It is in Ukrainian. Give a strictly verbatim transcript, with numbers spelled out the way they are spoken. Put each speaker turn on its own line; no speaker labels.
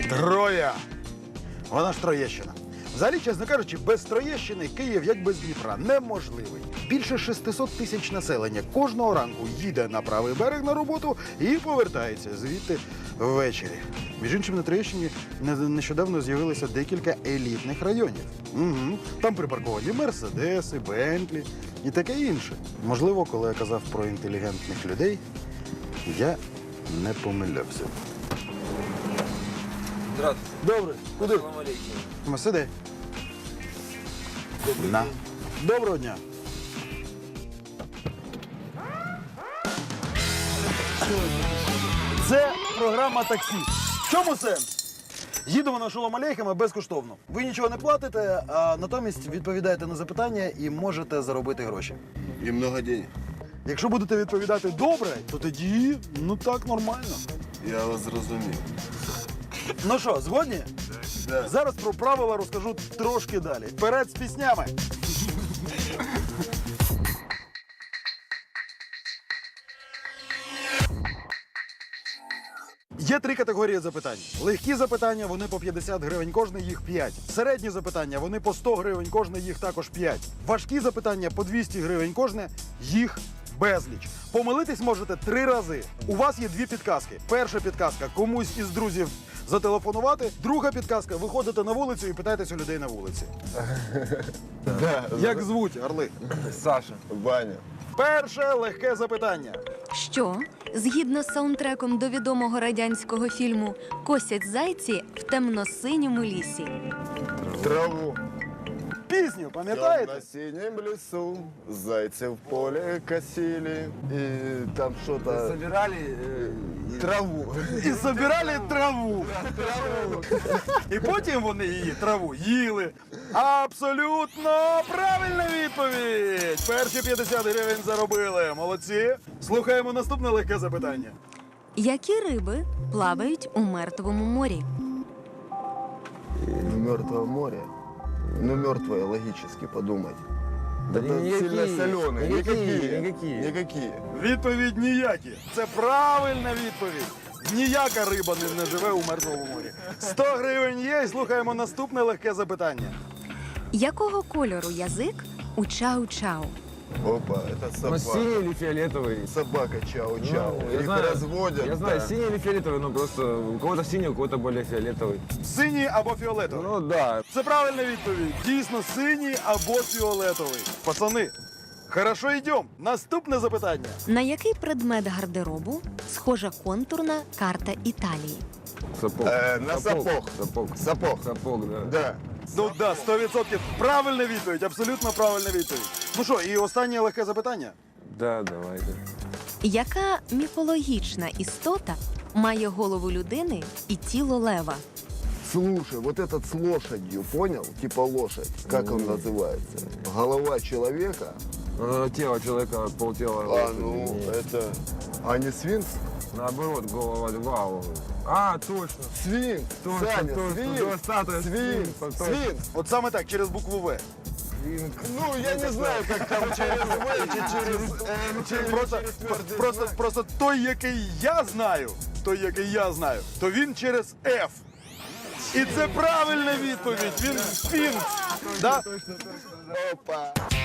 Троя. Вона ж Троєщина. Взагалі, чесно кажучи, без Троєщини Київ, як без Дніпра, неможливий. Більше шестисот тисяч населення кожного ранку їде на правий берег на роботу і повертається звідти ввечері. Між іншим, на Троєщині нещодавно з'явилося декілька елітних районів. Угу. Там припарковані Мерседеси, Бентлі і таке інше. Можливо, коли я казав про інтелігентних людей, я не помилявся.
Здравствуйте.
Добре. Куди?
Салам алейкум.
Сиди.
Добрый
На.
день.
Доброго дня. Це програма таксі. В чому сенс? Їдемо на Шолом Алейхема безкоштовно. Ви нічого не платите, а натомість відповідаєте на запитання і можете заробити гроші.
И много денег.
Якщо будете відповідати добре, то тоді, ну так, нормально.
Я вас зрозумів.
Ну що, згодні?
Да.
Зараз про правила розкажу трошки далі. Вперед з піснями! Є три категорії запитань. Легкі запитання, вони по п'ятдесят гривень кожне, їх п'ять. Середні запитання, вони по сто гривень кожне, їх також п'ять. Важкі запитання по двісті гривень кожне, їх безліч. Помилитись можете три рази. У вас є дві підказки. Перша підказка – комусь із друзів зателефонувати. Друга підказка – виходите на вулицю і питаєтесь у людей на вулиці.
Да.
Як звуть, орли?
Саша.
Ваня.
Перше легке запитання.
Що, згідно з саундтреком до відомого радянського фільму «Косять зайці в темно-синьому лісі»?
Траву.
Пісню, пам'ятаєте?
На синем лесу зайцы в поле косили. И там что-то...
Собирали э,
Траву.
І збирали траву. І потім вони її траву їли. Абсолютно правильна відповідь. Перші п'ятдесят гривень заробили. Молодці. Слухаємо наступне легке запитання.
Які риби плавають у Мертвому морі?
Мертвое море. Ну, мертвое, логически подумать.
Да
Это
никакие,
сильно соленые.
никакие, никакие.
Никакие.
Відповідь ніякі. Це правильна відповідь. Ніяка риба не, не живе у Мертвому морі. сто гривень є, і слухаємо наступне легке запитання.
Якого кольору язик у чау-чау?
Опа, это
Ну,
собака.
синий или фиолетовый?
Собака чау-чау.
Ну, я
Их
знаю,
разводят.
Я знаю,
да.
синий или фиолетовый, но просто у кого-то синий, у кого-то более фиолетовый.
Синій або фіолетовий?
Ну да.
Це правильна відповідь. Дійсно, синій або фіолетовий. Пацани, хорошо, йдемо. Наступне запитання.
На який предмет гардеробу схожа контурна карта Італії?
Сапог.
Э, на сапог.
Сапог.
Сапог.
Сапог, да.
Да.
Ну да, сто відсотків. Правильна відповідь, абсолютно правильна відповідь. Ну що, і останнє легке запитання.
Да, давайте.
Яка міфологічна істота має голову людини і тіло лева?
Слушай, вот этот с лошадью, понял? Типа лошадь. Как он называется? Голова человека.
Ну, тело человека, полтела.
А,
лошади.
ну,
Нет.
это... А не свинц?
Наоборот, голова льва. А, точно.
Свинц.
Точно,
Саня,
точно.
свинц.
Да, статуя
Свинц.
свинца, точно.
Свинц.
От саме так, через букву В.
Ну, я не знаю, как там через В, чи через М, чи
Просто,
через твердий
просто,
знак.
просто той, який я знаю, той, який я знаю, то він через F. І це правильна відповідь. Він сфінкс. Да?
Опа.